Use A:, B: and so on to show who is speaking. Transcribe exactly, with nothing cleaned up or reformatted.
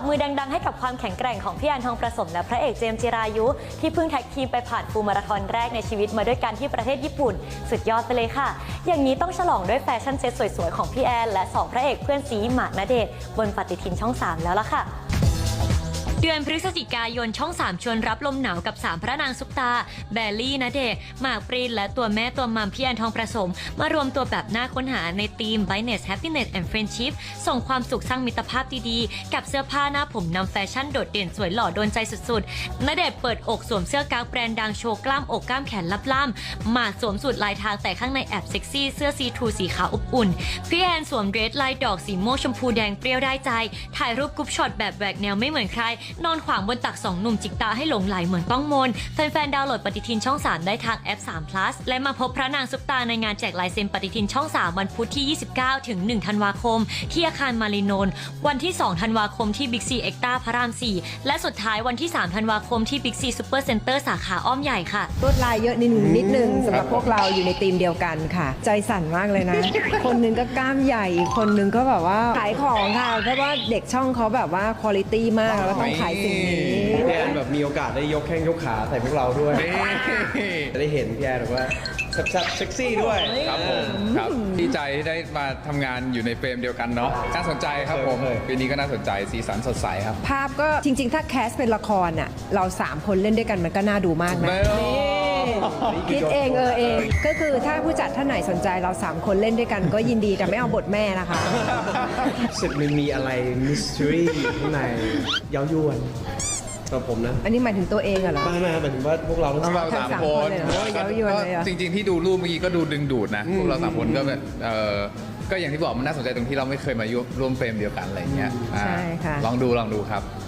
A: มือดังๆให้กับความแข็งแกร่งของพี่แอนทองประสมและพระเอกเจมส์จิรายุที่เพิ่งแท็กทีมไปผ่านฟูลมาราธอนแรกในชีวิตมาด้วยกันที่ประเทศญี่ปุ่นสุดยอดไปเลยค่ะอย่างนี้ต้องฉลองด้วยแฟชั่นเซ็ตสวยๆของพี่แอนและสองพระเอกเพื่อนซีหมากณเดชน์บนปฏิทินช่องสามแล้วล่ะค่ะเดือนพฤศจิกายนช่องสามชวนรับลมหนาวกับสามพระนางซุปตาแบลลี่ณเดชน์หมากปรีนและตัวแม่ตัวมัมพี่แอนทองประสมมารวมตัวแบบน่าค้นหาในทีม Brightness Happiness and Friendship ส่งความสุขสร้างมิตรภาพดีๆกับเสื้อผ้าหน้าผมนำแฟชั่นโดดเด่นสวยหล่อโดนใจสุดๆณเดชน์เปิดอกสวมเสื้อกางแบรนด์ดังโชว์กล้ามอกกล้ามแขนลับล่ำหมากสวมสูทลายทางแต่ข้างในแอบเซ็กซี่เสื้อซีทรูสีขาวอบอุ่นพี่แอนสวมเดรสลายดอกสีม่วงชมพูแดงเปรี้ยวได้ใจถ่ายรูปกรุ๊ปช็อตแบบแหวกแนวไม่เหมือนใครนอนขวางบนตักสองหนุ่มจิกตาให้หลงไหลเหมือนต้องมนแฟนๆดาวน์โหลดปฏิทินช่องสามได้ทางแอปสาม plus และมาพบพระนางซุปตาในงานแจกลายเซ็นปฏิทินช่องสามวันพุธที่ยี่สิบเก้าถึงหนึ่งธันวาคมที่อาคารมารีนนท์วันที่สองธันวาคมที่บิ๊กซีเอ็กต้าพระรามสี่และสุดท้ายวันที่สามธันวาคมที่บิ๊กซีซูเปอร์เซ็นเตอร์สาขาอ้อมใหญ่ค่ะ
B: ลวดลายเยอะนิดนึงนิดนึงสำหรับพวกเราอยู่ในทีมเดียวกันค่ะใจสั่นมากเลยนะ คนนึงก็กล้ามใหญ่คนนึงก็แบบว่าขายของค่ะเพราะว่าเด็กช่องเขาแบบว่าคุณภาพมากแล้วต้องขายสิ่งนี้
C: พี่แอนแบบมีโอกาสได้ยกแข้งยกขาใส่พวกเราด้วยจะได้เห็นพี่แอนแบบว่าแซ่บๆเซ็กซี่ด้วย
D: ครับผมครับดีใจที่ได้มาทำงานอยู่ในเฟรมเดียวกันเนาะน่าสนใจครับผมปีนี้ก็น่าสนใจสีสันสดใสครับ
B: ภาพก็จริงๆถ้าแคสเป็นละครอ่ะเราสามคนเล่นด้วยกันมันก็น่าดูมากนะคิดเองเออเองก็คือถ้าผู้จัดท่านไหนสนใจเราสามคนเล่นด้วยกันก็ยินดีแต่ไม่เอาบทแม่นะคะ
C: สึกมันมีอะไรมิส t ทรีข้างในเย้ายวนสำหรับผมนะ
B: อันนี้หมายถึงตัวเองเหรอ
C: ไม่ไม่หมายถึงว่าพวกเราทั้ง
D: เราสามคนจริงๆที่ดูรูปเมื่อกี้ก็ดูดึงดูดนะพวกเราสามคนก็แบบเออก็อย่างที่บอกมันน่าสนใจตรงที่เราไม่เคยมาร่วมเฟรมเดียวกันอะไรเงี้ย
B: ใช่ค่ะ
D: ลองดูลองดูครับ